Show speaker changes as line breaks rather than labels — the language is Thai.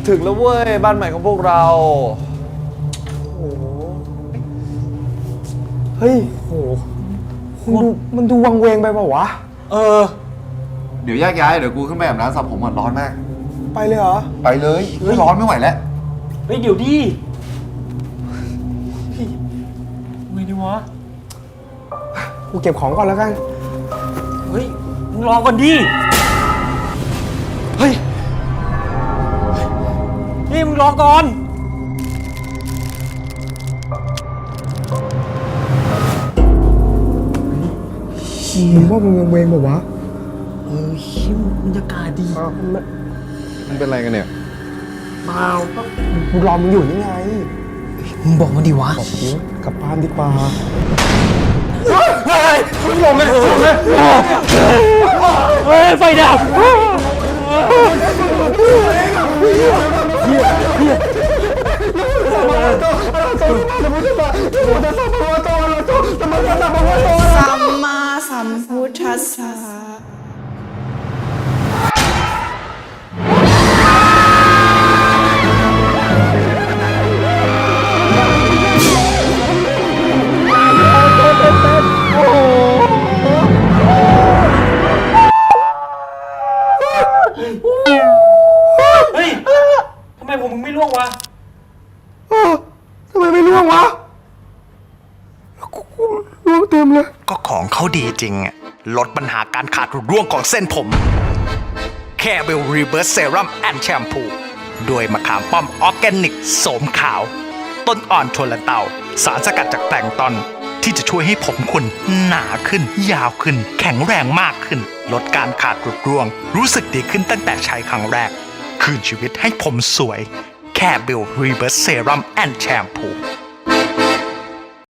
ถึงแล้วเว้ยบ้านใหม่ของพวกเราโอ้โหเฮ้ยโหมันดูวังเวงไปเปล่าวะ
เดี๋ยวแยกย้ายเดี๋ยวกูขึ้นไปอาบน้ำสระผมก่อนร้อนมาก
ไปเลยเหรอ
ไปเลยร้อนไม่ไหวแล้ว
เฮ้ยเดี๋ยวดิไงดีวะ
กูเก็บของก่อนแล้วกัน
เฮ้ยมึงรอก่อนดิ
เฮ้ย
นี่มึงรอก่อน
มึงว่ามึงวังเวงเปล่าวะ
ชิมบรรยากาศดี
มันเป็นอะไรกันเนี่ย
เปล่าก็
กูรอมึงอยู่นี่ไง
มึงบอกมาดิวะ
บอกจริงกลับบ้านดีกว่า
มึงลงเลยเฮ้ยไฟดับ
สัมมาสัมพุทธัสสะ
เฮ้ยทำไมผมมึงไม่ล่วงวะ
ทำไมไม่ร่วงวะกูร่วงเต็มเลย
ก็ของเขาดีจริงอะลดปัญหาการขาดหรือร่วงของเส้นผมแค่เวลรีเบิร์สเซรั่มแอนด์แชมพูด้วยมะขามป้อมออร์แกนิกโสมขาว ต้นอ่อนชนละเตาสารสกัดจากแปลงตอนที่จะช่วยให้ผมคุณหนาขึ้น ยาวขึ้น แข็งแรงมากขึ้น ลดการขาดหรือร่วง รู้สึกดีขึ้นตั้งแต่ใช้ครั้งแรกคืนชีวิตให้ผมสวยแค่เวลรีเบิร์สเซรั่มแอนด์แชมพู